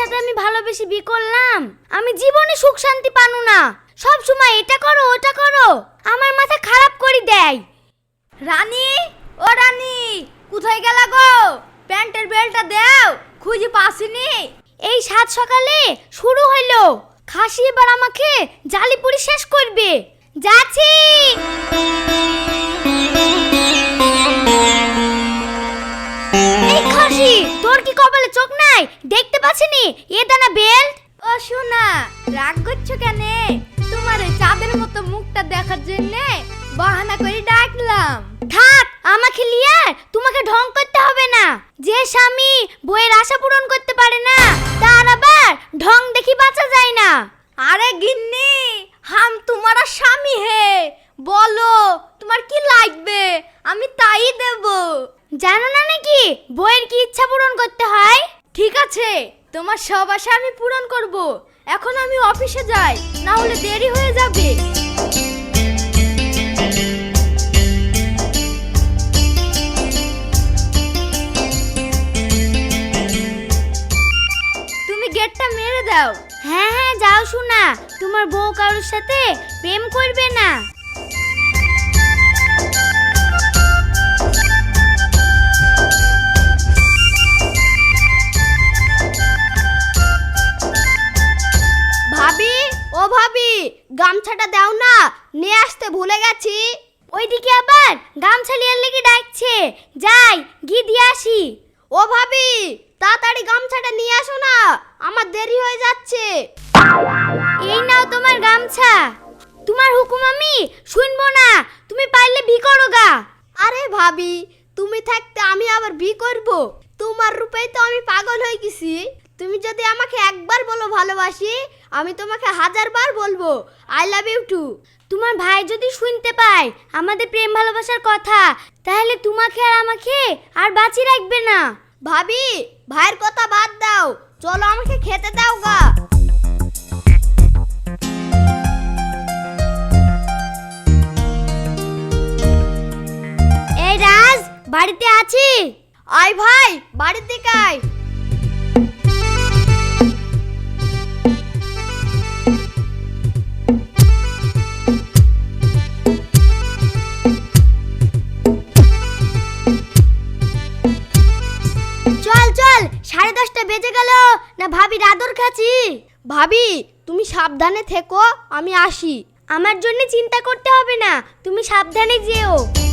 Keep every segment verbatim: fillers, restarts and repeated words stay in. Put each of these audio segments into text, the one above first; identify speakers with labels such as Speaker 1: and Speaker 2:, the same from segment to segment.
Speaker 1: সাথে আমি ভালোবেসে বিয়ে করলাম, আমি জীবনে সুখ শান্তি পানো না। সব সময় এটা করো ওটা করো, আমার মাথা খারাপ করে দেয়।
Speaker 2: রানী, ও রানী, কোথায় গেলা গো? প্যান্টের বেলটা দাও, খুঁজে পাসিনি।
Speaker 1: এই সাত সকালে শুরু হইলো, খাসি এবার আমাকে জালিপুরি শেষ করবে। যাচ্ছি। এই খাসি, তোর কি কপালে চোখ নাই? দেখতে পাচ্ছিনি এ দানা বেল্ট?
Speaker 2: ও শোনা, রাগ করছো কেন? তোমার ওই চাঁদের মতো মুখটা দেখার জন্য বাহানা করে ডাকলাম।
Speaker 1: থাক, আমাকে লিয়ে তোমাকে ঢং করতে হবে না। যে স্বামী বইয়ের আশা পূরণ করতে পারে না, তার আবার ঢং দেখি বাঁচা যায় না।
Speaker 2: আরে গিন্নি, হাম তোমারা স্বামী হে, বলো তোমার কি লাগবে, আমি তাই দেব।
Speaker 1: জানো না নাকি বইয়ের কি ইচ্ছা পূরণ করতে হয়?
Speaker 2: ঠিক আছে, তোমার সব আশা আমি পূরণ করব। এখন আমি অফিসে যাই, না হলে দেরি হয়ে যাবে। তুমি গেটটা মেরে দাও।
Speaker 1: হ্যাঁ হ্যাঁ যাও শোনা, তোমার বউ কারোর সাথে প্রেম করবে না।
Speaker 2: ভাবি, ও ভাবি, গামছাটা দাও না, নিয়ে আসতে ভুলে গেছি।
Speaker 1: ওইদিকে আবার গামছা লিয়ার লেগে ডাকছে, যাই গিয়ে দিয়ে আসি।
Speaker 2: ও ভাবি, তাড়াতাড়ি গামছাটা নিয়ে আসো না, আমার দেরি হয়ে যাচ্ছে।
Speaker 1: এই নাও তোমার গামছা। তোমার হুকুম আমি শুনবো না, তুমি পারলে বি করো গা।
Speaker 2: আরে ভাবি, তুমি থাকতে আমি আবার বি করব? তোমার রূপেই তো আমি পাগল হয়ে গেছি। তুমি যদি আমাকে একবার বলো ভালোবাসি, আমি তোমাকে হাজার বার বলবো আই লাভ ইউ টু।
Speaker 1: তোমার ভাই যদি শুনতে পায় আমাদের প্রেম ভালোবাসার কথা, তাহলে তোমাকে আর আমাকে আর বাঁচিয়ে রাখবে না।
Speaker 2: ভাবি, ভাইয়ের কথা বাদ দাও, চলো আমাকে খেতে দাও গা।
Speaker 1: এই রাজ, বাড়িতে আছি?
Speaker 2: আয় ভাই, বাড়ির দিকে আয়।
Speaker 1: চল চল, সাড়ে দশটা বেজে গেল, না ভাবির আদর খাচ্ছি।
Speaker 2: ভাবি, তুমি সাবধানে থেকো, আমি আসি।
Speaker 1: আমার জন্য চিন্তা করতে হবে না, তুমি সাবধানে যেও।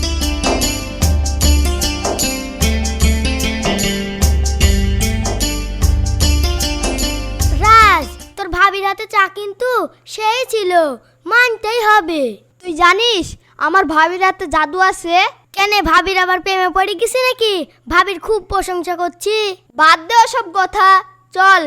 Speaker 1: রাজ, তোর ভাবির হাতে চা কিন্তু সেই ছিল, মানতেই হবে।
Speaker 2: তুই জানিস আমার ভাবির হাতে জাদু আছে?
Speaker 1: কেন, ভাবির আবার প্রেমে পড়ে গেছে নাকি? ভাবির খুব প্রশংসা করছি।
Speaker 2: বাদ দে ওসব কথা, চল।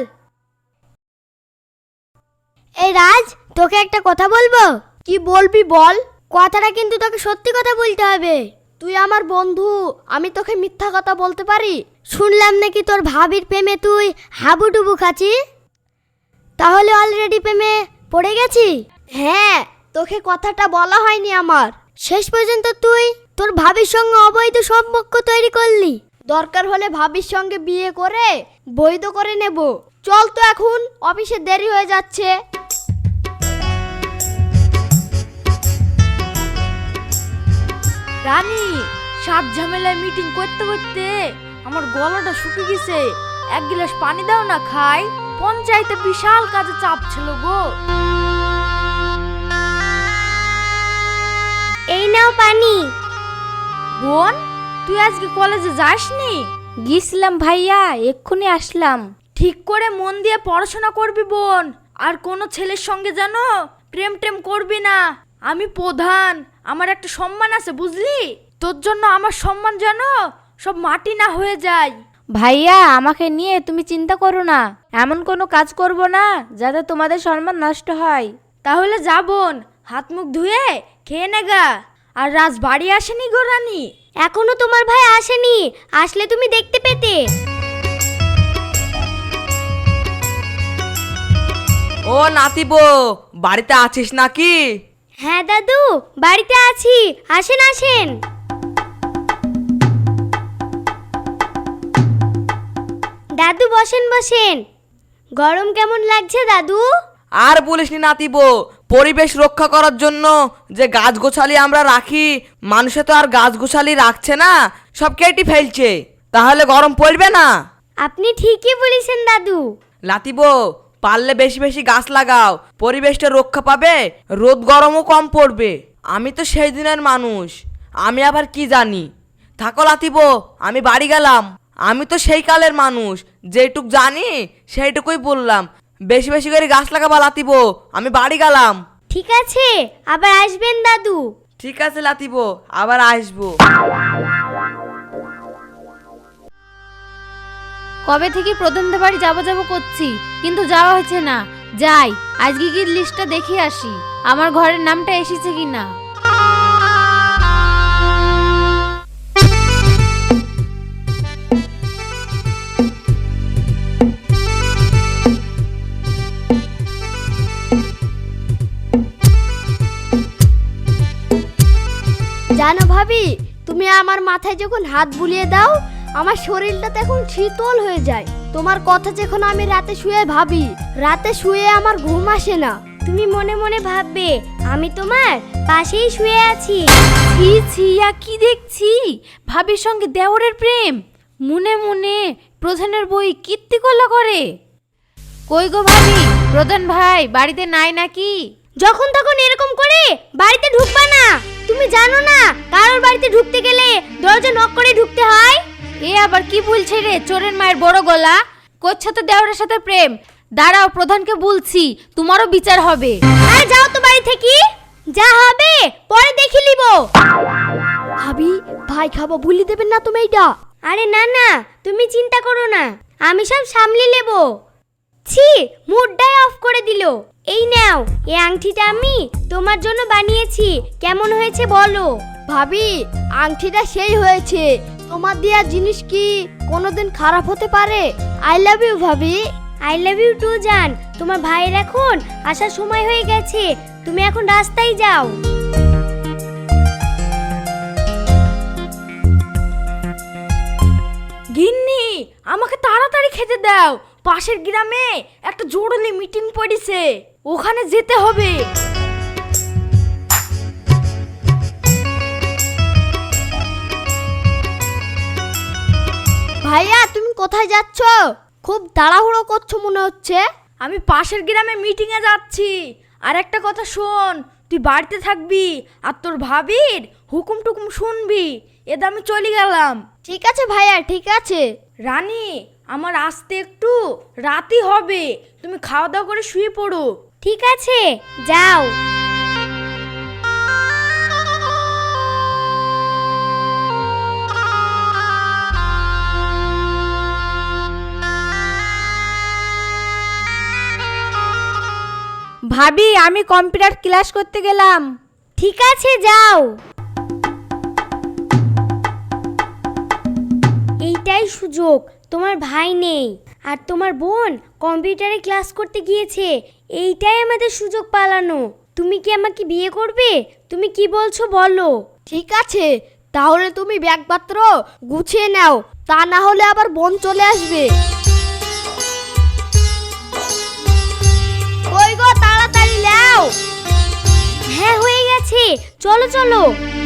Speaker 1: এই রাজ, তোকে একটা কথা বলবো।
Speaker 2: কি বলবি বল।
Speaker 1: কথাটা কিন্তু তোকে সত্যি কথা বলতে হবে।
Speaker 2: তুই আমার বন্ধু, আমি তোকে মিথ্যা কথা বলতে পারি?
Speaker 1: শুনলাম নাকি তোর ভাবির প্রেমে তুই হাবুডুবু খাচ্ছি, তাহলে অলরেডি প্রেমে পড়ে গেছি?
Speaker 2: হ্যাঁ, তোকে কথাটা বলা হয়নি আমার।
Speaker 1: শেষ পর্যন্ত তুই তোর ভাবির সঙ্গে অবৈধ সম্পর্ক তৈরি করলি।
Speaker 2: দরকার হলে ভাবির সঙ্গে বিয়ে করে বৈধ করে নেব। চল তো এখন, অফিসে দেরি হয়ে যাচ্ছে। রানী, সাত ঝামেলায় মিটিং করতে করতে আমার গলাটা শুকিয়ে গেছে। এক গ্লাস পানি দাও না, খাই। পঞ্চায়েতে বিশাল কাজে চাপ ছিল গো।
Speaker 1: এই নাও পানি।
Speaker 2: বোন, তুই আজকে কলেজে যাসনি?
Speaker 3: গিয়েছিলাম ভাইয়া, এক্ষুনি আসলাম।
Speaker 2: ঠিক করে মন দিয়ে পড়াশোনা করবি বোন, আর কোনো ছেলের সঙ্গে জানো প্রেম টেম করবি না। আমি প্রধান, আমার একটা সম্মান আছে বুঝলি? তোর জন্য আমার সম্মান জানো সব মাটি না হয়ে যায়।
Speaker 3: ভাইয়া, আমাকে নিয়ে তুমি চিন্তা করো না, এমন কোনো কাজ করব না যাতে তোমাদের সম্মান নষ্ট হয়।
Speaker 2: তাহলে যা বোন, হাত মুখ ধুয়ে খেয়ে নেগা। আর রাজ বাড়ি আসেনি গো রানী?
Speaker 1: এখনো তোমার ভাই আসেনি, আসলে তুমি দেখতে পেতে।
Speaker 4: ও নাতিবো, বাড়িতে আছিস নাকি?
Speaker 1: হ্যাঁ দাদু, বাড়িতে আছি, আসেন আসেন। দাদু বসেন বসেন। গরম কেমন লাগছে দাদু?
Speaker 4: আর বলিসনি নাতিবো, পরিবেশ রক্ষা করার জন্য যে গাছ গোছালি আমরা রাখি, মানুষে তো আর গাছ গোছালি রাখছে না, সব কেটে ফেলছে। তাহলে গরম পড়বে না?
Speaker 1: আপনি ঠিকই বলেছেন দাদু।
Speaker 4: লাতিবো, পারলে বেশি বেশি গাছ লাগাও, পরিবেশটা রক্ষা পাবে, রোদ গরমও কম পড়বে। আমি তো সেই দিনের মানুষ, আমি আবার কি জানি। থাকো লাতিবো, আমি বাড়ি গেলাম। আমি তো সেই কালের মানুষ, যেটুক জানি সেইটুকুই বললাম। বেশি বেশি করে গাছ লাগাবা লাতিবো, আমি বাড়ি গেলাম।
Speaker 1: ঠিক আছে, আবার আসবেন দাদু।
Speaker 4: ঠিক আছে লাতিবো, আবার আসবো।
Speaker 3: কবে থেকে প্রধানদের বাড়ি যাবো যাবো করছি, কিন্তু যাওয়া হচ্ছে না। যাই, আজকে কি লিস্টটা দেখে আসি আমার ঘরের নামটা এসেছে কিনা।
Speaker 1: জানো ভাবি, তুমি আমার মাথায় যখন হাত বুলিয়ে দাও, আমার শরীরটা তখন শীতল হয়ে যায়। তোমার কথা যখন আমি রাতে শুয়ে ভাবি, রাতে শুয়ে আমার ঘুম আসে না। তুমি মনে মনে ভাববে আমি তোমার পাশেই শুয়ে আছি।
Speaker 3: ছি ছিয়া, কি দেখছি ভাবির সঙ্গে দেওরের প্রেম। মনে মনে প্রধানের বই কীর্তিকলা করে। কই গো ভাবি, প্রধান ভাই বাড়িতে নাই নাকি?
Speaker 1: যখন তখন এরকম করে বাড়িতে ঢুকবা না। তুমি জানো না কারোর বাড়িতে ঢুকতে গেলে দরজা নক করে ঢুকতে হয়?
Speaker 3: এ আবার কি বলছে রে চোরের মায়ের বড় গলা? করছো তো দেওরের সাথে প্রেম। দাঁড়াও, প্রধানকে বলছি, তোমারও বিচার হবে।
Speaker 1: আরে যাও তো বাড়ি থেকে, যা হবে পরে দেখে নিব। ভাবি, ভাই খাবো ভুলি দেবেন না তুমি এইটা। আরে না না, তুমি চিন্তা করো না, আমি সব সামলে নেব। ছি, মুডটাই অফ করে দিল। এই নাও, এই আংটিটা আমি তোমার জন্য বানিয়েছি, কেমন হয়েছে বলো? ভাবি, আংটিটা সেই হয়েছে। তোমার দেওয়া জিনিস কি কোনোদিন খারাপ হতে পারে? আই লাভ ইউ ভাবি। আই লাভ ইউ টু জান। তোমার ভাইয়ের এখন আসার সময় হয়ে গেছে, তুমি এখন রাস্তায় যাও।
Speaker 2: গিন্নি, আমাকে তাড়াতাড়ি খেতে দাও। পাশের গ্রামে একটা জরুরি মিটিং পড়েছে, ওখানে যেতে হবে।
Speaker 1: ভাইয়া, তুমি কোথায় যাচ্ছ? খুব তাড়াহুড়ো করছো মনে হচ্ছে।
Speaker 2: আমি পাশের গ্রামে মিটিংয়ে যাচ্ছি। আর একটা কথা শোন, তুই বাড়িতে থাকবি আর তোর ভাবির হুকুম টুকুম শুনবি। এদা আমি চলে গেলাম।
Speaker 1: ঠিক আছে ভাইয়া, ঠিক আছে।
Speaker 2: রানী, আমার আসতে একটু রাতই হবে, তুমি খাওয়া দাওয়া করে শুয়ে পড়ো।
Speaker 1: ঠিক আছে, যাও।
Speaker 3: ভাবি, আমি কম্পিউটার ক্লাস করতে গেলাম।
Speaker 1: ঠিক আছে, যাও। এইটাই সুযোগ, তোমার ভাই নেই আর তোমার বোন কম্পিউটারে ক্লাস করতে গিয়েছে। এইটাই আমাদের সুযোগ পালানো। তুমি কি আমাকে বিয়ে করবে? তুমি কি বলছো বলো? ঠিক আছে, তাহলে তুমি ব্যাগপত্র গুছিয়ে নাও, তা না হলে আবার বোন চলে আসবে। কই গো, তাড়াতাড়ি নাও। হ্যাঁ, হয়ে গেছে, চলো চলো।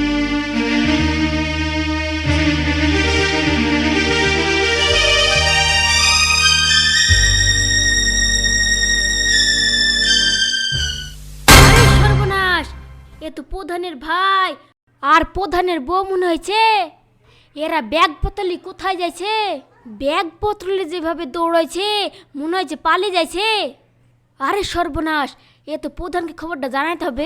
Speaker 1: সর্বনাশ, এ তো প্রধানের ভাই আর প্রধানের বউ মনে হয়েছে। এরা ব্যাগ পতলি কোথায় যাইছে? ব্যাগ পত্রলে যেভাবে দৌড়াইছে মনে হয়েছে পালিয়ে যাইছে। আরে সর্বনাশ, এ তো প্রধানকে খবরটা জানাইতে হবে।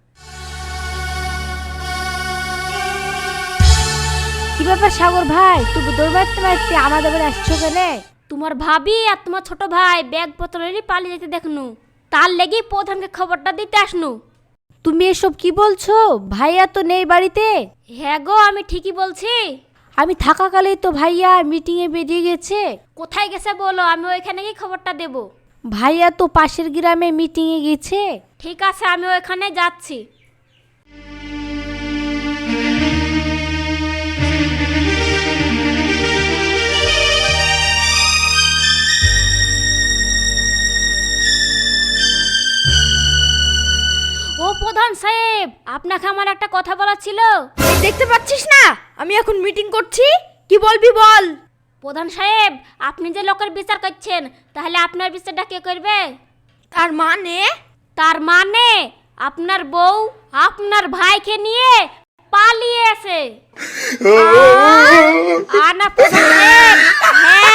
Speaker 3: কি ব্যাপার সাগর ভাই, তুমি দৌড়াতে মারতে আমাদের বাড়ি আসছো কেন?
Speaker 1: তোমার ভাবি আর তোমার ছোট ভাই ব্যাগ পত্রলে পালিয়ে যেতে দেখনু, তার লেগে প্রধানকে খবরটা দিতে আসনু।
Speaker 3: তুমি এসব কি বলছো? ভাইয়া তো নেই বাড়িতে।
Speaker 1: হ্যাঁ গো, আমি ঠিকই বলছি।
Speaker 3: আমি থাকাকালেই তো ভাইয়া মিটিংয়ে বেরিয়ে গেছে।
Speaker 1: কোথায় গেছে বলো, আমি ওইখানে গিয়ে খবরটা দেব।
Speaker 3: ভাইয়া তো পাশের গ্রামে মিটিংয়ে গেছে।
Speaker 1: ঠিক আছে, আমি ওইখানে যাচ্ছি। প্রধান সাহেব, আপনাকে আমার একটা কথা বলার ছিল।
Speaker 2: এই দেখতে পাচ্ছিস না আমি এখন মিটিং করছি? কি বলবি বল।
Speaker 1: প্রধান সাহেব, আপনি যে লোকের বিচার করছেন, তাহলে আপনার বিচারটা কে করবে?
Speaker 2: তার মানে
Speaker 1: তার মানে আপনার বউ আপনার ভাইকে নিয়ে পালিয়েছে। আর না প্রধান সাহেব, হ্যাঁ